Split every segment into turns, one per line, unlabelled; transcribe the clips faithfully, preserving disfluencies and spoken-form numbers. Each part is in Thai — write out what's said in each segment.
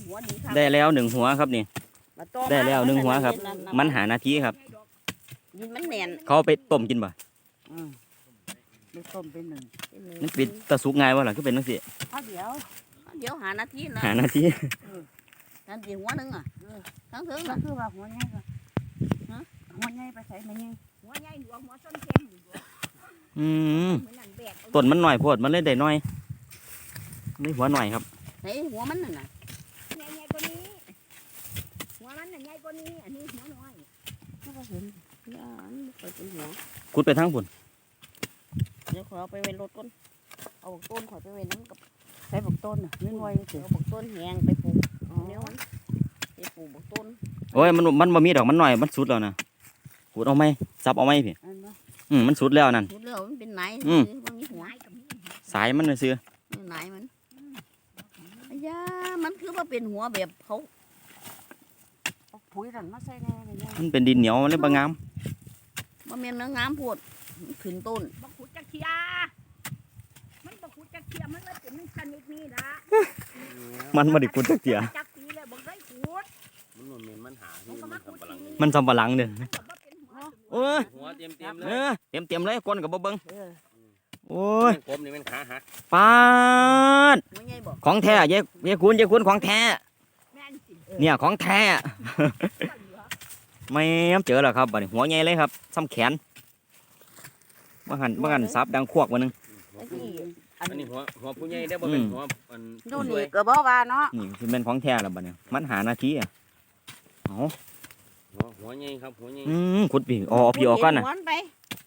หัวดีครับ
ได้แล้วหนึ่งหัวครับนี่ได้แล้วหนึ่งหัวครับ มันหานาทีครับ
ยินมันแน่น
เขาเอาไปต้มกินบ่
อืมไปต้มเป็นหนึ่ง
มันเป็นตะสุกง่ายวะล่ะก็เป็นจังซี่
เอาเดี๋ยว
เดี๋ยวหานาทีนะ
หานาที
นั่นสิหัวหนึงอ่ะทั้งถึง
ก็
น่ะ
คือว่าหัวใหญ่ก็ฮะหัวใหญ่ไปใส่ไม่ใหญ่
หัวใหญ่หัวหัวส้นแข็งหัว
อืม
เหมือนนั่นแบก
ต้นมันหน่อยโพดมันเลยได้น้อยนี่หัวหน่อยครับ
ไหนหัวมันน่ะนะ
ใหญ่ๆกว่านี้หัวมันน่ะใหญ่กว่านี้อันนี้หัวน้อย
ก็เห็น
อย่าอันนี้ไปเป็นหัว
ขุดไปทั้งพุ่น
เดี๋ยวขอเอาไปเว้นรถก่อนเอาบักต้นขอไปเว้นน้ำกับ
ใส่บักต้นน่ะเงินไว้เสีย
เอาบักต้นแหงไปปลูกเดี๋ยวมันไปปลูกบักต้น
โอ้ยมันมันบ่มีดอกมันหน่อยมันสุดแล้วนะขุดเอาไหมซับเอาไหมพี่
อันนั้น
อืมมันสุดแล้วนั่น
รู้แล้วมันเป็นไหน
อืม
มันมีหัว
สายมันน่ะซื้อ
ไหนมันอ้ยามันคือว่าเป็นหัวแบบเขา
เอาปุ๋ยนั่นมาใส่แน่ไม่ใหญ่
มันเป็นดินเหนียวมันเลยบ่งาม
บ่แม่นเนื้องามโพดมันขึ้นต้น
บักขุดจักเทียมันบักขุดจักเทียมันเลยเป็นชนิดนี้นะ
มันบ่ได้ขุดจักเที่ย
จักปีเลยบักได้ขุด
มันบ่แม่นมันหาที่มันกำลัง
มันสำปะหลังเด้อ
มันก็บ่เป็นหัว
โอ้ย
หัวเต็มเต็มๆเล
เอย อเต็มเต็มๆเลยก้นกับบ่เบิ่ง
เออ
โอ้ย
กบนี่มันขาหัก
ปาด
หัวใหญ่บ่
ของแท้เย้เย้คุณเย้คุณของแท้
แม่นสิ
เนี่ยของแท้
เหลือ
ไม่เจอแล้วครับบัดนี้หัวใหญ่เลยครับซ้ำแขนบ่หันบ่หันซับดังควกวันนึง
ไอ้ที่
อันนี้หัวหัวผู้ใหญ่ได้อบ่เป็นหัวอัน
ดู
ผู้
นี่
ช่วย
ก็บ่ว่าเนาะ
นี่คือเป็นของแท้แล้วบัดนี้มันหานาทีอ่ะเอ๋อ
หัวหัวใหญ่ครับหัวใหญ่
อืมขุดพี่อ๋อเอาพี่ออกก่อนน่ะ
หัวไป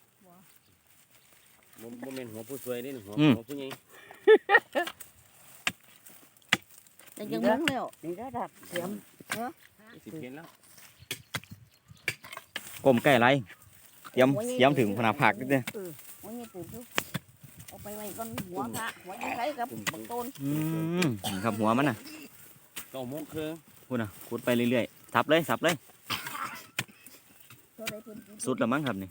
บ่บ่แม่นหัวผู้ช่วยเด้หัว
อืม
หัวผู้ใหญ่
แต่ยังมุ้งแล้ว
นี่ระดับเสียม
สิเห็นแล้ว
กลมใกล้ไรเตรียมเตรียมถึงพนาผักเด้อ
หัวใหญ่ปลูกอยู่เอาไปไว้ก่อนหัวพระหัวยังไงกับบักต้น
อืมนี่ครับหัวมันน่ะ
เก้าโมงครึ่ง
พูดน่ะขุดไปเรื่อยๆสับเลยสับเลย
ตัวใดเพิ่นกิน
สุดแล้วมั้งครับนี่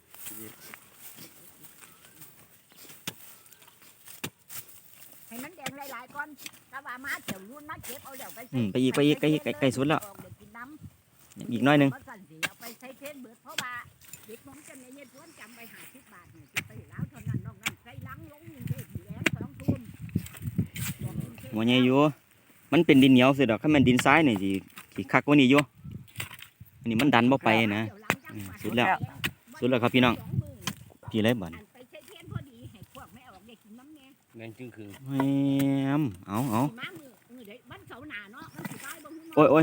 ให้มันแดงหลายๆก่อนถ้าว่ามาเดี๋ยวรุ่นมาเก็บเอาเดี๋ยวไป
อืมไปอีกไปอีกไปอีกใกล้ใกล้สุดแล้ว
เดี๋ยวกินน้ำ
อีกหน้อยหนึง
บ่สั่นสิเอาไปใช้เทนเบิดเพราะว่าเด็กผมจะในเย็นทวนจำไปหาสิบบาทเนี่ยจะไปแล้วเท่านั้นนอกนั้นใส่ลังลงยิงเทศอยู่แล้วสองทุ่ม
หัวใหญ่อยู่มันเป็นดินเหนียวสิดอกถ้ามันดินทรายนี่สิสิคักกว่านี้อยู่อันนี้มันดันบ่ไปนะ อืมสุดแล้ว สุดแล้วครับพี่น้อง พี่เลยบัด
อันไปใช้เทนพอดีให้พวกแม่ออกได้กินน้ำแน่
แม่งจึงครึ่ง
แหมเอาเอา
สิมามือมือเดี๋ยววันเสาร์หน้าเนาะมันสิได้บ่ฮู้
โอ้ยโอ้ย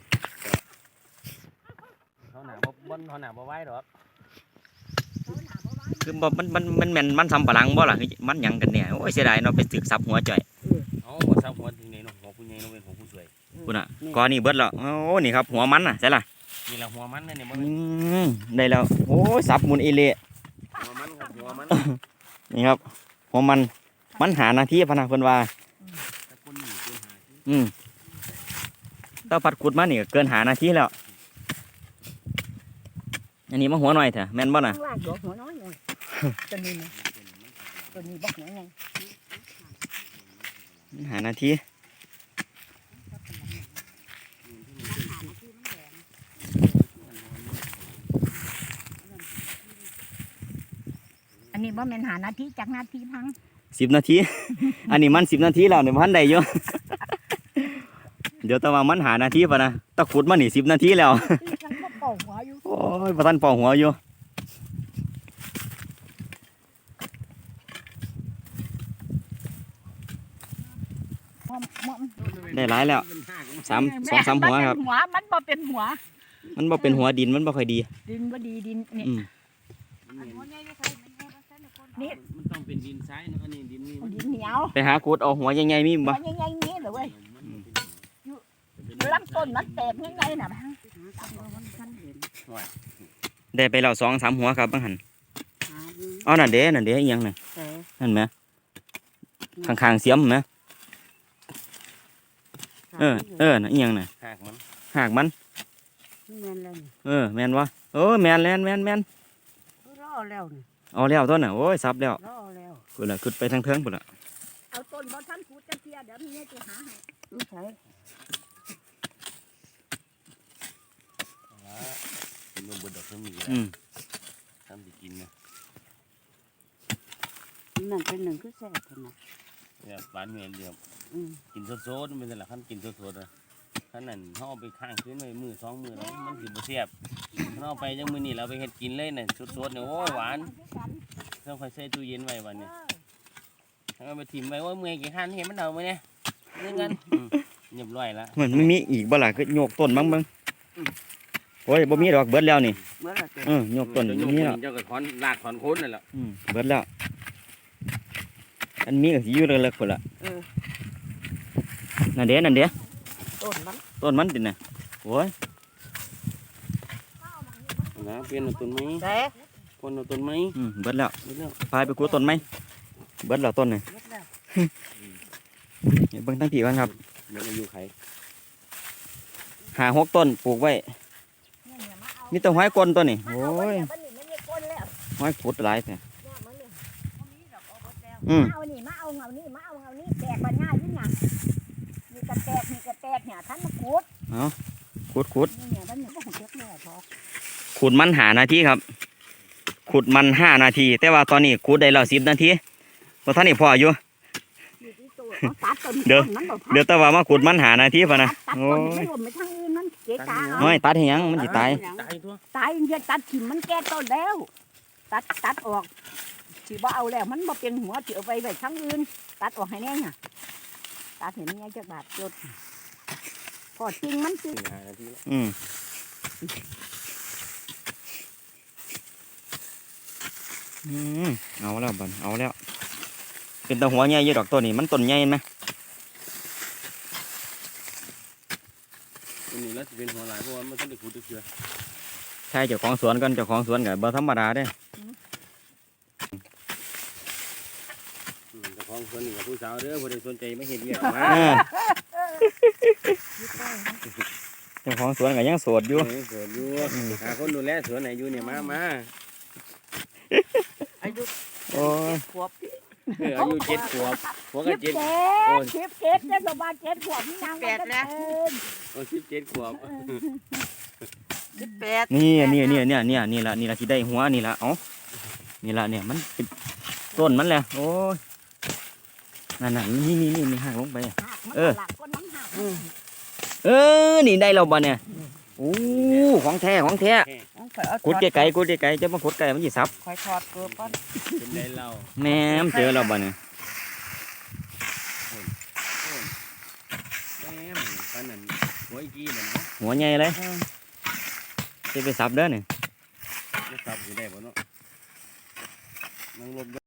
เขาหน้าบ่บ่เขาหน้าบ่ไหวดอก
เสาร์หน้าบ่ว่า
คือบ่มันมันมันแม่นมันสำปะหลังบ่ล่ะคือมันหยังกันเนี่ยโอ้ยเสียดายเนาะไปสึกซับหัวจ่อย
เอาบ่ซับหัวที่นี่เนาะหัวผู้ใหญ่เนาะเป็นหัวผู้ช่วย
คุณน่ะก้อนนี่เบิดแล้วโอ้นี่ครับหัวมันน่ะใช่ล่ะ
นี่ละหัวมันนี่บ่
อืมได้แล้วโอ้ยสับหมุนเอเละ
หัวมันครับหัวมัน
นี่ครับหัวมันมันหานาทีพะนะเพิ่นว่า
แต่คนนี่เป็นหาที่
อืมถ้าพัดขุดมานี่ก็เกินหานาทีแล้ว อันนี้มาหัวหน่อยเถอะแม่นบ่น่ะ
ข้างล่างดอกหัวน้อยหน่อยตัวนี้นะตัวนี้บ่หัวใหญ่
มันหานาที
อันนี้บ่แม่นหานาทีจากนาทีพัง
สิบนาที อันนี้มันสิบนาทีแล้วเนี่ยพันได้อยู่ เดี๋ยวแตะว่ามันหานาทีปะนะตะขุดมานี่สิบนาทีแล้ว
ฉันก็เป่าหัวอยู่
โอ้ยประทันปอหัวอยู่ได้หลายแล้วสามสองสามหัวครับ
หัวมันบ่เป็นหัว
มันบ่เป็นหัวดินมันบ่ค่อยดี
ดินบ่ดีดินนี่
อืม
นี่
มันต้องเป็นดินทรายเนาะอันนี้ดินนี่มัน
ดินเหนียว
ไปหาขุดเอาหัวใหญ่ๆมี
หั
บ่
วใหญ่ๆนี้เลยเว้ยลำต้นมันแตกง่ายๆน่ะพัง
ได้ไปแล้วสองสามหัวครับบังหัน
หาดู
เอานั่นเด้นั่นเด้อีหยังน่ะ
แต่
นั่นไหมข้างๆเสียมไหมเออเออน่ะอีหยังน่ะ
หากมัน
หากมัน
แม่นแล้วนี่
เออแม่นวะเออแม่นแม่นแม่นแม่น
รอแล้วนี่
เอาแล้วต้นน่ะโอ้ยซับแล้ว
รอแล้ว
กูละขึ้นไปทางเทิงพุ่นละ
เอาต้นบ่ทันกูจะเทียเดี๋ยวมีให้กูหาให้
นี่ใช่
กินนมเบิดดอกเพิ่มมีก
อืม
ทำสิกินนะ
นั่นเป็นหนึ่งคือแซ่บขนาด
เนี่ยหวานเมียนเดียว
อืม
กินสดๆมันเป็นอะไรขั้นกินสดๆนะขั้นนั้นเขาเอาไปข้างคืนไว้มือสองมือแล้วมันสิบ่เสียบเขาเอาไปจังมือนี่เราไปเฮ็ดกินเลยน่ะสดๆเนี่ยโอ้หวานต้องคอยใส่ตู้เย็นไว้วันนี้เอาไปถิ่มไว้ว่าเมื่อยกี่ขั้นเห็นมันเอาไหมเนี่ยเรื่องกันเรียบร้อยละ
เหมือนมันมีอีกบ่ล่ะคือโยกต้นบ้างเบิ่งโอ้ยบ่มีดอกเบิดแล้วนี่
เมื่อไรเกิด
เออโยกต้น
จะ
บ่
ยก
มี
ค
แล้ว
นเจ้าก็ถอนรากถอนโคนนั่นแหละ
อืมเบิดแล้ว อันนี้ก็สิอยู่เลิกๆพุ่นล่ะ
เออ
นั่นเด้นั่นเด้
ต้นมัน
ต้นมันติน่ะโอ้ย
นะเปลี่ยนเอาต้นไม้
แต่
คนเอาต้นไม้
อืมเบิดแล้ว
เบิดแล้ว
พายไปกูต้นไหมเบิดแล้วต้นนี่
เล็กแล้ว
เดี๋ยวเบิ่งทั้งพี่กันครับ
เบิดอายุไข
หาหกต้นปลูกไว้มีแต่ห้อยกลนตัวนี่โอ้ย
มันนี่มันมีคนแล้ว
ห้อยขุดหลายแท้
เนี่ยมันนี่
อืม
มาเอานี่มาเอาเงานี่มาเอาเงานี่แตกบันง่ายยิ่งหนักนี่กระแตกนี่กระแตกเนี่ยท่านมาขุด
ขุดขุด
นี่เนี่ยมันเนี่ยพวกของเจ๊กแม่พอ
ขุดมันหานาทีครับ ขุดมันห้านาที แต่ว่าตอนนี้ขุดได้แล้วสิบนาทีเพราะท่านนี่พออยู่
อยู่ที่ตัวเอาตัดต้น
เดี๋ยว
ต้นมันบ่พอ
เดี๋ยวแต่ว่ามาขุดมันหานาทีพะนะ
ตัด
โอ้
ต้น
ย
ไม่รวมไปทางอื่นมันเจ๊กา
น้อยตัดให้หยังมันสิตาย
ตายตัว
ตายเยอะตัดถิ่มมันแก่ต้นแล้ว ตัดตัดออกสิบ่เอาแล้วมันบ่เป็นหัวสิเอาไปไว้ทางอื่นตัดออกให้แน่เนี่ยตัดเห็นไงจักบาทจดพอจริงมันสิ
สี่ห้านาทีแล้ว
อืมอืมเอาแล้วบันเอาแล้ว เป็นตะหัวใหญ่เยอะดอกตัวนี้มันต้นใหญ่ไหม
อันนี้แล้วจะเป็นหัวหลายเพราะว่ามันต้องได้ขุดเชือ
ใช่เจ้าของสวนกันเจ้าของสวนกับบ่ธรรมดาเด้
แต่ของคนนี่กับผู้สาวเด้อผู้ใดสนใจไม่เห็นเยอะมา
เออเจ้าของสวนก็ยังโสดอยู่
เออสวนอยู่หาคนดูแลสวนไหนอยู่เนี่ยมามา
อายุ
โอ้ย
ขวบ
เอออายุเจ็ดขวบหัวก็
สิบ
เจ็ด
เจ็ดสิบเจ็ดเนี่ยประมาณเจ็ดขวบนี่นางมันก็เอิ้น
โอ้สิบเจ็ดขวบ
สิบแปด
นี่นี่นี่เนี่ยเนี่ยนี่ละนี่ละที่ได้หัวนี่ละเอ้านี่ละเนี่ยมันเป็นต้นมันแหละโอ้ยนั่นน่ะนี่นี่นี่นี่หักลงไปอะ
หักมัน
เออ
หลักก็น้ำหัก
เออนี่ได้แล้วบ่เนี่ยโอ้ของแท้ของแท้
ต้องคอยเอา
ขุดไกลๆขุดไกลๆจะมาขุดไกลมันสิซับ
คอยทอดเกลือป้อน
เป็นไรเรา
แหม่มเจอแล้วบ่เนี่ย
แม่มปานนั้นหัวอีกี้บ่เนาะ
หัวใหญ่เลยจะไปซับเด้อเนี่ย
จะสับอยู่ได้บ่เนาะนั่งลบ